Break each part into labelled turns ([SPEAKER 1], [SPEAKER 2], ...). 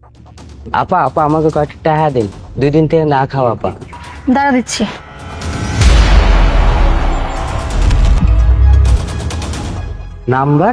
[SPEAKER 1] আপা আপা আমাকে কয়েকটা টাকা দিন, 2 দিন থেকে না খাওয়া আপা।
[SPEAKER 2] দাঁড়া দিচ্ছি।
[SPEAKER 1] নাম্বার?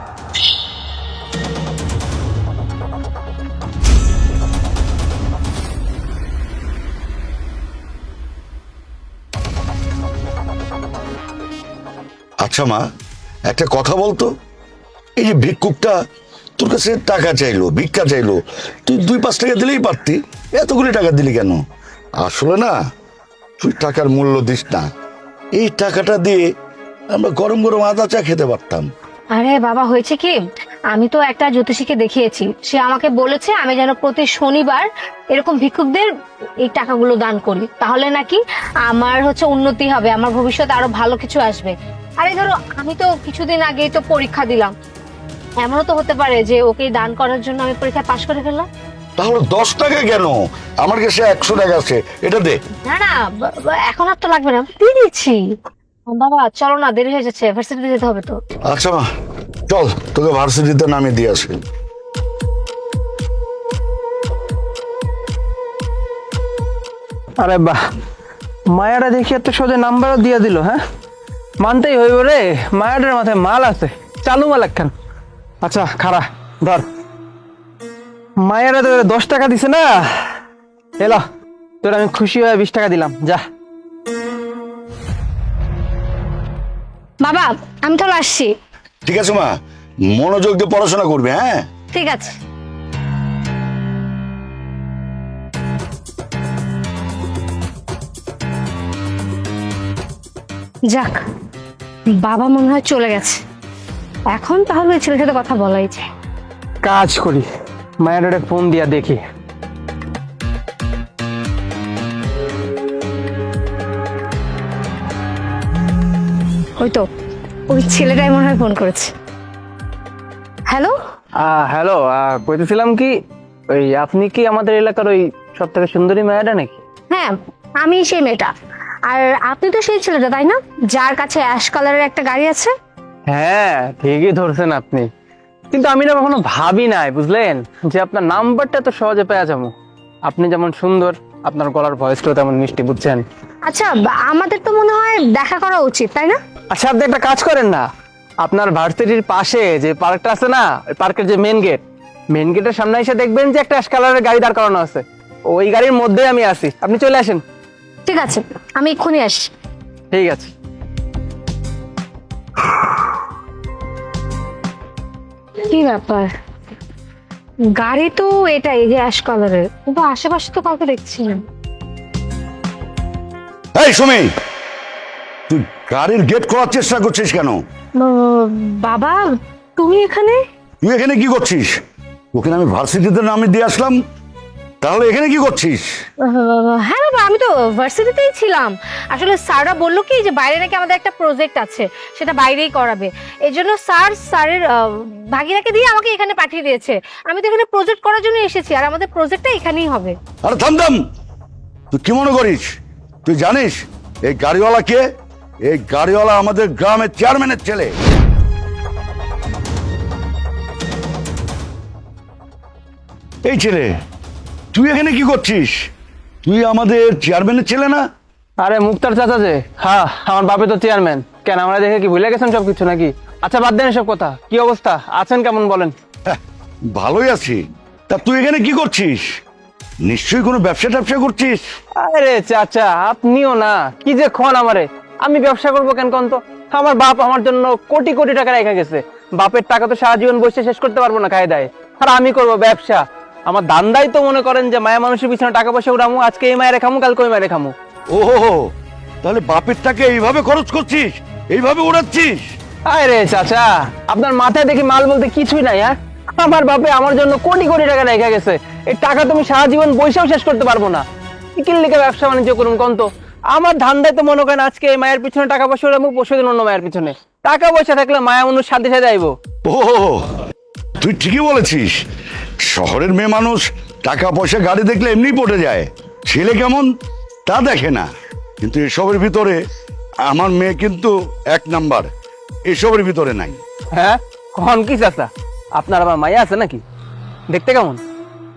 [SPEAKER 3] আচ্ছা মা, একটা কথা বলতো, এই যে ভিক্ষুকটা তোর কাছে টাকা চাইলো, ভিক্ষা চাইলো, তুই 2-5 টাকা দিলেই পারতি, এতগুলি টাকা দিলি কেন? আসলে না, তুই টাকার মূল্য দিস না। এই টাকাটা দিয়ে আমরা গরম গরম আদা চা খেতে পারতাম।
[SPEAKER 2] আরে বাবা, হয়েছে কি, আমি তো একটা জ্যোতিষীকে দেখিয়েছি, সে আমাকে বলেছে আমি যেন প্রতি শনিবার এরকম ভিক্ষুকদের এই টাকাগুলো দান করি, তাহলে নাকি আমার উন্নতি হবে, আমার ভবিষ্যতে আরো ভালো কিছু আসবে। আরে ধরো, আমি তো কিছুদিন আগেই তো পরীক্ষা দিলাম, এমনও তো হতে পারে যে ওকে দান করার জন্য আমি পরীক্ষায় পাশ করে ফেললাম।
[SPEAKER 3] তাহলে 10 টাকা কেন? আমার কাছে 100 টাকা আছে, এটা দে।
[SPEAKER 2] না না, এখন আর তো লাগবে না, দিয়ে দিচ্ছি। বাবা চলো না, দেরি হয়ে যাচ্ছে, ভার্সিটিতে যেতে হবে তো।
[SPEAKER 3] আচ্ছা মা, চল তোকে ভার্সিটিতে নামিয়ে দিয়ে আসি।
[SPEAKER 4] আরে বাহ, মায়াটা দেখি এত সোজা নাম্বারও দিয়ে দিল। হ্যাঁ, মানতেই হইব রে, মায়াটার মাথায় মাল আছে, চালু মাল একখান। আচ্ছা খারা ধর, মায়ারা তো 10 টাকা দিছে না, এলো তোর আমি খুশি হয়ে 20 টাকা দিলাম, যা।
[SPEAKER 2] বাবা আমি তাহলে আসছি।
[SPEAKER 3] ঠিক আছে মা, মনোযোগ দিয়ে পড়াশোনা করবে। হ্যাঁ
[SPEAKER 2] ঠিক আছে। যাক, বাবা মনে হয় চলে গেছে, এখন তাহলে ওই ছেলের সাথে কথা বলাই যায়।
[SPEAKER 4] কাজ করি, মায়ারে ফোন দিয়া দেখি।
[SPEAKER 2] ওই তো, ওই ছেলেটাই মনে হয় ফোন করেছে। হ্যালো।
[SPEAKER 4] হ্যালো, কইতেছিলাম কি, ওই আপনি কি আমাদের এলাকার ওই সব থেকে সুন্দরী মায়াটা নাকি?
[SPEAKER 2] হ্যাঁ, আমি সেই মেয়েটা। আর আপনি তো সেই ছেলেটা, তাই না, যার কাছে অ্যাশ কালারের একটা গাড়ি আছে?
[SPEAKER 4] হ্যাঁ ঠিকই ধরছেন আপনি, কিন্তু আমি না কখনো ভাবি নাই, বুঝলেন, যে আপনার নাম্বারটা তো সহজে পেয়ে যাবো। আপনি যেমন সুন্দর, আপনার গলার ভয়েসটাও তেমন মিষ্টি, বুঝছেন?
[SPEAKER 2] আচ্ছা, আমাদের তো মনে হয় দেখা করা উচিত, তাই না?
[SPEAKER 4] আচ্ছা আপনি একটা কাজ করেন না, আপনার ভার্সিটির পাশে যে পার্কটা আছে না, ওই পার্কের যে মেন গেটের সামনে এসে দেখবেন যে একটা অ্যাশ কালারের গাড়ি দাঁড় করানো আছে, ওই গাড়ির মধ্যেই আমি আছি, আপনি চলে আসেন।
[SPEAKER 2] ঠিক আছে, আমি এক্ষুনি আসি।
[SPEAKER 4] ঠিক আছে।
[SPEAKER 2] কি ব্যাপার, গাড়ি তো এটাই যে অ্যাশ কালারের, কিন্তু আশেপাশে তো কাউকে দেখছি না।
[SPEAKER 3] এই সুমি, তুই গাড়ির গেট খোলার চেষ্টা করছিস কেন?
[SPEAKER 2] বাবা তুমি এখানে?
[SPEAKER 3] তুই এখানে কি করছিস? ওকে আমি ভার্সিটিতে নামিয়ে দিয়ে আসলাম, তাহলে এখানে কি করছিস?
[SPEAKER 2] হ্যাঁ বাবা, আমি তো ভার্সিটিতেই ছিলাম। আসলে স্যাররা বললো কি যে বাইরে নাকি আমাদের একটা প্রজেক্ট আছে, সেটা বাইরেই করাবে, এই জন্য স্যারের ভাগিনাকে দিয়ে আমাকে এখানে পাঠিয়ে দিয়েছে। আমি তো এখানে প্রজেক্ট করার জন্য এসেছি, আর আমাদের প্রজেক্টটা এখানেই হবে।
[SPEAKER 3] আরে থাম থাম, তুই কি মনে করিস তুই জানিস এই গাড়িওয়ালা কে? এই গাড়িওয়ালা আমাদের গ্রামের চেয়ারম্যানের ছেলে। এই ছেলে, তুই এখানে কি করছিস? তুই আমাদের চেয়ারম্যানের ছেলে না?
[SPEAKER 4] আরে মুক্তার চাচা যে, হ্যাঁ আমার বাপে তো চেয়ারম্যান। কেন আমরা দেখে কি ভুলে গেছেন সবকিছু নাকি? আচ্ছা বাদ দেন এসব কথা, কি অবস্থা আছেন, কেমন বলেন?
[SPEAKER 3] হ্যাঁ, ভালোই আছি। তা তুই এখানে কি করছিস? নিশ্চয়ই কোনো ব্যবসা ট্যাবসা করছিস?
[SPEAKER 4] আরে চাচা আপনিও না, কি যে খন আমারে, আমি ব্যবসা করবো কেন কোন তো? আমার বাপ আমার জন্য কোটি কোটি টাকা রেখে গেছে, বাপের টাকা তো সারা জীবন বসে শেষ করতে পারবো না খায় দায়, আর আমি করবো ব্যবসা? আমার দান্দাই তো মনে করেন যে মায়া মানুষের পিছনে টাকা পয়সা উড়ামু, আজকে এই মায়ের খামু, কালকে ওই মায়ের খামু।
[SPEAKER 3] ওহো, তাহলে বাপের টাকা এইভাবে খরচ করছিস, এইভাবে উড়াচ্ছিস?
[SPEAKER 4] আরে চাচা, আপনার মাথায় দেখি মাল বলতে কিছুই নাই। হ্যাঁ, আমার বাপে আমার জন্য কোটি কোটি টাকা রেখে গেছে, এই টাকা তুমি সারা জীবন বৈশাও শেষ করতে পারবো না। কি লিখে ব্যবসা বাণিজ্য করুন কোন তো? আমার ধান্দায় তো মনে করেন আজকে এই মায়ের পিছনে টাকা পয়সা উড়াবো, পরশু দিন অন্য মায়ের পিছনে। টাকা পয়সা থাকলে মায়া মানুষ সাথে সাথে আইবো।
[SPEAKER 3] ও, তুই ঠিকই বলেছিস, শহরের মেয়ে মানুষ টাকা পয়সা গাড়ি দেখলে এমনি পড়ে যায়, ছেলে কেমন তা দেখে না। কিন্তু এসবের ভিতরে আমার মেয়ে কিন্তু 1 নাম্বার, এসবের ভিতরে নাই।
[SPEAKER 4] হ্যাঁ কখন কি চাচা, আপনার আবার মায়া আছে নাকি? দেখতে কেমন?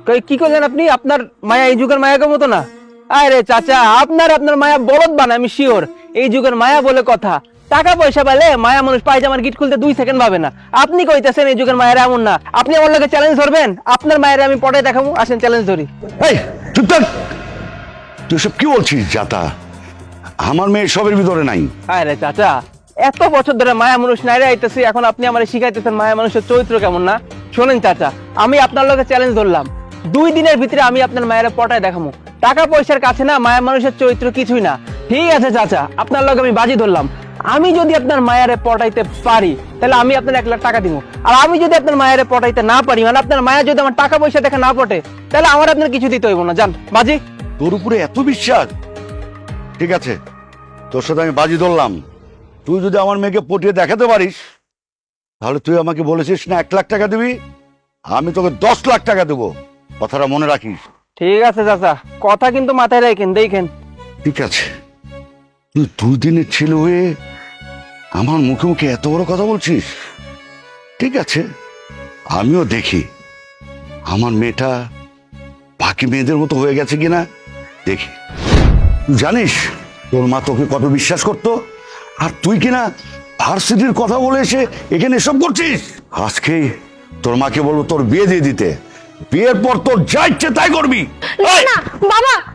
[SPEAKER 4] কি করলেন আপনি? আপনার মায়া এই যুগের মায়াকে মতো না। আরে চাচা, আপনার মায়া বলদ বানা, আমি শিওর। এই যুগের মায়া বলে কথা, টাকা পয়সা পেলে মায়া মানুষ পায়জামার গিট খুলতে 2 সেকেন্ড ভাবে না। আপনি কইতেছেন এই যুগের মায়েরা এমন না। আপনি আমার লগে চ্যালেঞ্জ ধরবেন? আপনার মায়েরা আমি পটায় দেখাবো, আসেন চ্যালেঞ্জ ধরি।
[SPEAKER 3] এই চুপ থাক, তুই সব কি বলছিস জাতা? আমার মেয়ে সবের ভিতরে নাই।
[SPEAKER 4] আরে চাচা, এত বছর ধরে মায়া মানুষ নাইরে আইতেছি, এখন আপনি আমার শিখাইতেছেন মায়া মানুষের চরিত্র কেমন না? শোনেন চাচা, আমি আপনার লগে চ্যালেঞ্জ ধরলাম, 2 দিনের ভিতরে আমি আপনার মায়েরা পটায় দেখাবো। টাকা পয়সার কাছে না মায়া মানুষের চরিত্র কিছুই না। ঠিক আছে চাচা, আপনার লগে আমি বাজি ধরলাম, আমি যদি আপনার মায়ারে পটাইতে পারি তাহলে আমি আপনার 1 লাখ টাকা দিব। আর আমি যদি আপনার মায়ারে পটাইতে না পারি, মানে আপনার মায়া যদি আমার টাকা পয়সা দেখে না পটে, তাহলে আমার আপনার কিছু দিতে হইব না। যান বাজি।
[SPEAKER 3] তোর উপরে এত বিশ্বাস? ঠিক আছে, তোর সাথে আমি বাজি ধরলাম, তুই যদি আমার মেয়েকে পটিয়ে দেখাতে পারিস, তাহলে তুই আমাকে বলেছিস না 1 লাখ টাকা দিবি, আমি তোকে 10 লাখ টাকা দেবো। কথাটা মনে রাখিস।
[SPEAKER 4] ঠিক আছে চাচা, কথা কিন্তু মাথায় রাখেন। দেখেন,
[SPEAKER 3] ঠিক আছে, তুই 2 দিনের ছেলে হয়ে আমার মুখে মুখে এত বড় কথা বলছিস। ঠিক আছে, আমিও দেখি আমার মেয়েটা বাকি মেয়েদের মতো হয়ে গেছে কিনা দেখি। তুই জানিস তোর মা তোকে কত বিশ্বাস করতো, আর তুই কিনা ভার্সিটির কথা বলে এসে এখানে এসব করছিস। আজকেই তোর মাকে বলবো তোর বিয়ে দিয়ে দিতে, বিয়ের পর তোর যা ইচ্ছে তাই করবি।
[SPEAKER 2] না বাবা,